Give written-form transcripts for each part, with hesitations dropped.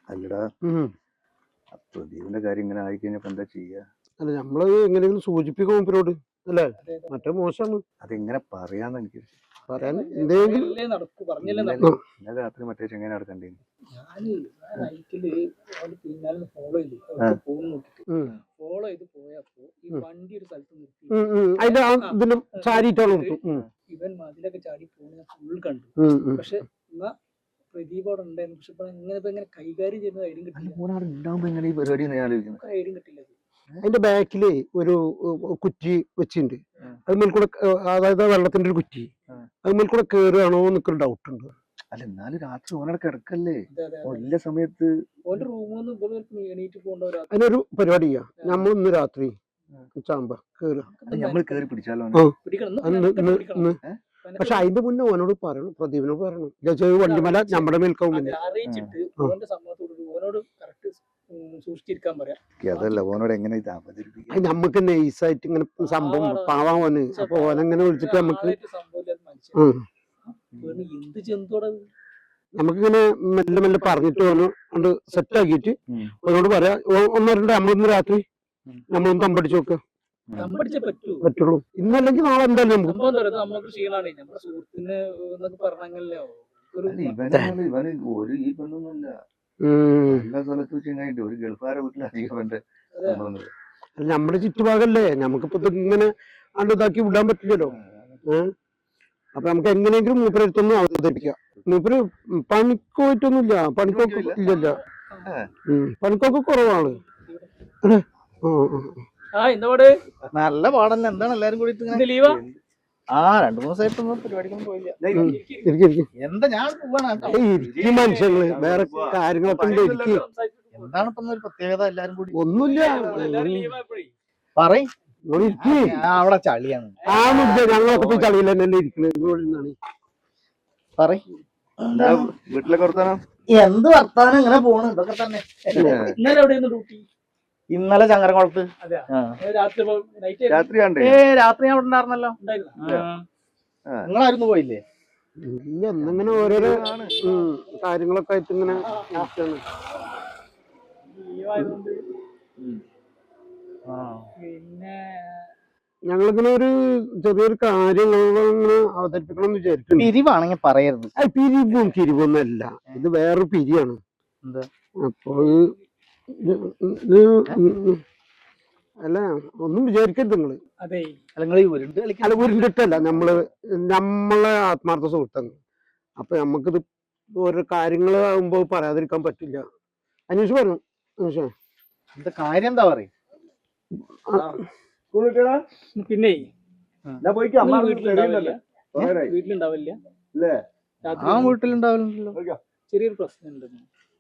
അല്ലടാ, പ്രദീപിന്റെ കാര്യം ഇങ്ങനെ ആയിക്കഴിഞ്ഞപ്പോ എന്താ ചെയ്യാ? അല്ല നമ്മള് എങ്ങനെയെങ്കിലും സൂചിപ്പിക്കും മൂപ്പരോട് അല്ലേ? മറ്റേ മോശമാണ് അതെങ്ങനെ പറയാന്ന് എനിക്ക് പറയാൻ എന്തെങ്കിലും. ഇന്നലെ രാത്രി മറ്റേ ചെങ്ങനെ നടക്കണ്ടേ? ഫോളോ ചെയ്ത് പോയപ്പോ ഈ വണ്ടി ഒരു സ്ഥലത്ത് നിർത്തി അതിന്റെ ഇതിന്റെ ചാരിട്ടാണ് ഇവൻ മതിലൊക്കെ ചാടി പോകുന്ന ഫുൾ കണ്ടു. പക്ഷെ എന്നാ പ്രദീപ് അവിടെ ഉണ്ടായിരുന്നു. പക്ഷെ ഇങ്ങനെ കൈകാര്യം ചെയ്യുന്ന ഐഡിയും കിട്ടില്ല. ഐഡിയും കിട്ടില്ല. അതിന്റെ ബാക്കില് ഒരു കുറ്റി വെച്ചിട്ടുണ്ട്. അതുമേൽ കൂടെ, അതായത് വെള്ളത്തിന്റെ ഒരു കുറ്റി, അതുമേൽ കൂടെ കേറുകയാണോ എന്നൊക്കെ ഡൗട്ട് ഉണ്ട്. അല്ല, എന്നാലും രാത്രി ഓനടെ കിടക്കല്ലേ? എല്ലാ സമയത്ത് എണീറ്റ് പോകേണ്ട അതിനൊരു പരിപാടി ചെയ്യാം. നമ്മൾ ഇന്ന് രാത്രി ചാമ്പ കേറുക, നമ്മൾ കേറി പിടിച്ചാലോ? പക്ഷെ അതിന്റെ മുന്നേ ഓനോട് പറയണം, പ്രദീപിനോട് പറയണം, വണ്ടിമല നമ്മുടെ മേൽക്കാവും. പിന്നെ സൂക്ഷിച്ചിരിക്കാൻ പറയാം. അതല്ല, ഓനോട് എങ്ങനെ ഇത് അവതരിപ്പിക്കാം? നമുക്ക് നൈസായിട്ട് ഇങ്ങനെ സംഭവം പാവാൻ ഓന്. അപ്പൊ ഓനെങ്ങനെ വിളിച്ചിട്ട് നമുക്ക് എന്ത് ചെന്തോടെ നമുക്കിങ്ങനെ മെല്ലെ മെല്ലെ പറഞ്ഞിട്ട് ഓന് കൊണ്ട് സെറ്റ് ആക്കിയിട്ട് ഓനോട് പറയാ, ഒന്നോ രണ്ടോ നമ്മളിന്ന് രാത്രി നമ്മളൊന്ന് തമ്പടിച്ച് നോക്കുക പറ്റുള്ളൂ. ഇന്നല്ലെങ്കിൽ നാളെ എന്തായാലും നമുക്ക് ക്ഷീണാണ്. നമ്മുടെ സുഹൃത്തിന് ഇവന് ഒരു ഈ പെണ്ണൊന്നുമില്ല. എല്ലാ സ്ഥലത്തും വെച്ച് ഒരു ഗൾഫാരെ വീട്ടിലധികം നമ്മുടെ ചുറ്റുഭാഗല്ലേ. നമുക്കിപ്പോ ഇങ്ങനെ അണ്ട് ഇതാക്കി വിടാൻ പറ്റില്ലല്ലോ. അപ്പൊ നമുക്ക് എങ്ങനെയെങ്കിലും മൂപ്പരെടുത്തൊന്നും അവതരിപ്പിക്കാം. മൂപ്പര് പണിക്ക് പോയിട്ടൊന്നുമില്ല, പണിക്കൊക്കെ ഇല്ലല്ല, പണിക്കൊക്കെ കുറവാണ്. നല്ല പാടന്നെ. എന്താണ് എല്ലാരും കൂടി ലീവാ? 2-3 ദിവസമായിട്ടൊന്നും പരിപാടിക്കൊന്നും പോയില്ല. എന്താ ഞാൻ ഈ മനുഷ്യങ്ങള് വേറെ കാര്യങ്ങളൊക്കെ ഉണ്ട്. എന്താണ് ഇപ്പൊ ഒരു പ്രത്യേകത? എല്ലാരും കൂടി ഒന്നുമില്ല. പറയും അവിടെ ചളിയാണ്. ഞങ്ങളൊക്കെ പോയി ചളിയിൽ തന്നെ ഇരിക്കുന്നത്. വീട്ടിലൊക്കെ വർത്താനം എന്ത് വർത്താനം? ഇങ്ങനെ പോണ്. ഇതൊക്കെ തന്നെ. ഇന്നലെ ചങ്ങരംകുളത്ത് രാത്രി രാത്രി ഞാൻ ഇവിടെ ഉണ്ടായിരുന്നല്ലോ. നിങ്ങളായിരുന്നു പോയില്ലേ? ഇല്ല, എന്നിങ്ങനെ ഓരോരോ കാര്യങ്ങളൊക്കെ ആയിട്ട് ഇങ്ങനെ പിന്നെ ഞങ്ങളിങ്ങനെ ഒരു ചെറിയൊരു കാര്യങ്ങളിങ്ങനെ അവതരിപ്പിക്കണം എന്ന് വിചാരിക്കുന്നു. പിരിവാണെങ്കിൽ പറയരുത്. പിരിവൊന്നല്ല, ഇത് വേറൊരു പിരിയാണ്. അപ്പൊ അല്ല, ഒന്നും വിചാരിക്കരുത് നിങ്ങള്. അല്ല, ഉരുണ്ടിട്ടല്ല, നമ്മളെ ആത്മാർത്ഥ സുഹൃത്താണ്. അപ്പൊ നമുക്കിത് ഓരോ കാര്യങ്ങൾ ആകുമ്പോ പറയാതിരിക്കാൻ പറ്റില്ല. അന്വേഷിച്ച് പറഞ്ഞു. എന്താ കാര്യം? എന്താ പറയും? പിന്നെ വീട്ടിലുണ്ടാവില്ലല്ലോ. ചെറിയൊരു പ്രശ്നം ഉണ്ടെന്ന്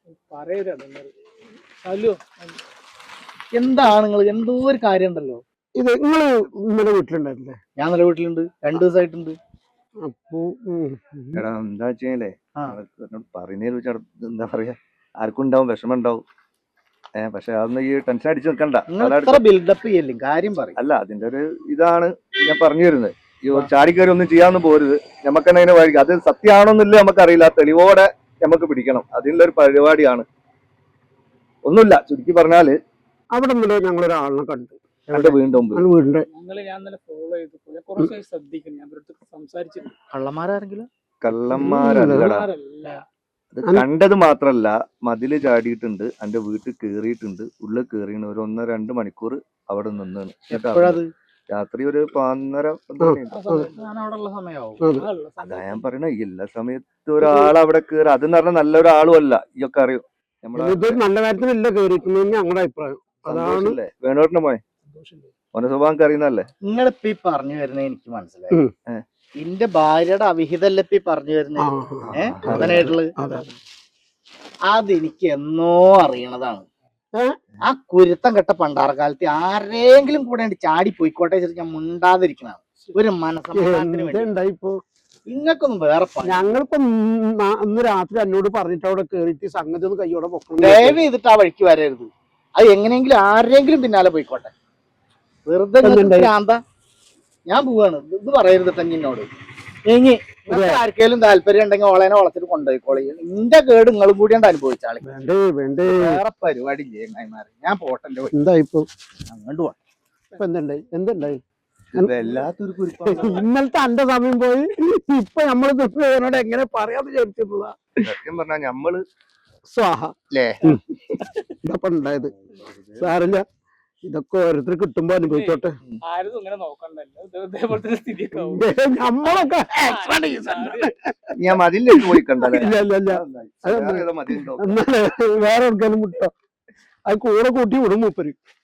പറയല്ലോ. എന്താണ് നിങ്ങൾ? എന്തോ ഒരു കാര്യം ഉണ്ടല്ലോ. ഇത് നിങ്ങള് ഇന്നലെ വീട്ടിലുണ്ടായിരുന്നില്ലേ? ഞാൻ ഇന്നലെ വീട്ടിലുണ്ട്, 2 ദിവസമായിട്ടുണ്ട്. അപ്പൊ എടാ, എന്താ വെച്ചേ പറയുന്നതിൽ വെച്ചാൽ എന്താ പറയാ, ആർക്കും ഉണ്ടാവും, വിഷമം ഉണ്ടാവും. പക്ഷെ അതൊന്നും ഈ ടെൻഷൻ അടിച്ചു നിൽക്കണ്ട. ബിൽഡപ്പ് ചെയ്യല്ലേ, കാര്യം പറയും. അല്ല, അതിന്റെ ഒരു ഇതാണ് ഞാൻ പറഞ്ഞു വരുന്നത്. ഈ ചാടിക്കയറി ഒന്നും ചെയ്യാന്ന് പോരുത്. നമുക്ക് തന്നെ അതിനെ വഴി, അത് സത്യമാണോന്നില്ല നമുക്കറിയില്ല, തെളിവോടെ നമുക്ക് പിടിക്കണം. അതിനുള്ള ഒരു പരിപാടിയാണ്. ഒന്നുമില്ല, ചുരുക്കി പറഞ്ഞാല് അവിടെ നിന്നല്ലോ ഞങ്ങളൊരാളിനെ കണ്ടു. വീണ്ടും വീടിന്റെ കള്ളന്മാരാരെങ്കിലും? കള്ളന്മാരല്ലടാ, അത് കണ്ടത് മാത്രല്ല, മതില് ചാടിയിട്ടുണ്ട്, എന്റെ വീട്ടിൽ കേറിയിട്ടുണ്ട്, ഉള്ളിൽ കേറിയാണ്. ഒരു 1-2 മണിക്കൂർ അവിടെ നിന്നാണ്. രാത്രി ഒരു 11:30. അതാ ഞാൻ പറയണ, എല്ലാ സമയത്ത് ഒരാൾ അവിടെ കേറി. അതെന്ന് പറഞ്ഞാൽ നല്ലൊരാളും അല്ല, ഇയൊക്കെ അറിയും. നല്ല കാര്യത്തിനല്ല കേറിയിരിക്കുന്നത് ഞങ്ങളുടെ അഭിപ്രായം. അതാണ് വേണോട്ടിന് പോയെ ഓന്റെ സ്വഭാവം അറിയുന്നല്ലേ. നിങ്ങളിപ്പ ഈ പറഞ്ഞു വരുന്നത് എനിക്ക് മനസ്സിലായി. എന്റെ ഭാര്യയുടെ അവിഹിതല്ലേ ഇപ്പൊ പറഞ്ഞു വരുന്നത് അതനായിട്ടുള്ളത്. അതെനിക്ക് എന്നോ അറിയണതാണ്. ആ കുരുത്തം കെട്ട പണ്ടാറക്കാലത്ത് ആരെങ്കിലും കൂടെ ചാടി പോയിക്കോട്ടെ ഞാൻ മുണ്ടാതിരിക്കണതാണ് ഒരു മനസ്സമാധാനത്തിന് വേണ്ടി. നിങ്ങൾക്കൊന്നും വേറെ ഞങ്ങളിപ്പോ ഇന്ന് രാത്രി എന്നോട് പറഞ്ഞിട്ട് അവിടെ കേറിയിട്ട് സംഗതി ഒന്ന് കയ്യോടെ പൊക്കണം. ദയവ് ചെയ്തിട്ട് ആ വഴിക്ക് വരരുത്. അത് എങ്ങനെയെങ്കിലും ആരെങ്കിലും പിന്നാലെ പോയിക്കോട്ടെ. വെറുതെ ഭ്രാന്ത. ഞാൻ പോവാണ്, ഇത് പറയരുത് എന്നോട്. ഇനി ആർക്കെങ്കിലും താല്പര്യം ഉണ്ടെങ്കിൽ ഓളേനെ വളർത്തിട്ട് കൊണ്ടുപോയിക്കോളി. ഇന്റെ കേട് നിങ്ങളും കൂടിയാണ്ട് അനുഭവിച്ചാളി. വേണ്ടേ വേണ്ടേ വേറെ പരിപാടി ഇല്ലേ ചങ്ങായിമാരെ? ഞാൻ പോട്ടെ എന്തായിപ്പോ അങ്ങോട്ട് പോവാ. ഇപ്പൊ എന്തുണ്ടായി എല്ലാത്തൊരു ഇന്നലത്തെ അന്റെ സമയം പോയി. ഇപ്പൊ നമ്മള് ദുഃഖനോട് എങ്ങനെ പറയാന്ന് വിചാരിച്ചിട്ടുള്ളതാ. സത്യം പറഞ്ഞാൽ നമ്മള് സ്വാഹ അല്ലേ ഇതപ്പൊ ഉണ്ടായത്. സാറില്ല, ഇതൊക്കെ ഓരോരുത്തർ കിട്ടുമ്പോ അനുഭവിച്ചോട്ടെ. ആരും ഇങ്ങനെ നോക്കണ്ടല്ലോ, ഇതേപോലത്തെ സ്ഥിതിയൊക്കെ ആവും. നമ്മളൊക്കെ ഞാൻ മതിലേക്ക് പോയി കണ്ടല്ലേ. ഇല്ല ഇല്ല ഇല്ല മതി എന്നാലേ വേറെ എവിടെക്കാനും വിട്ടോ, അത് കൂടെ കൂട്ടി വിടും മൂപ്പര്.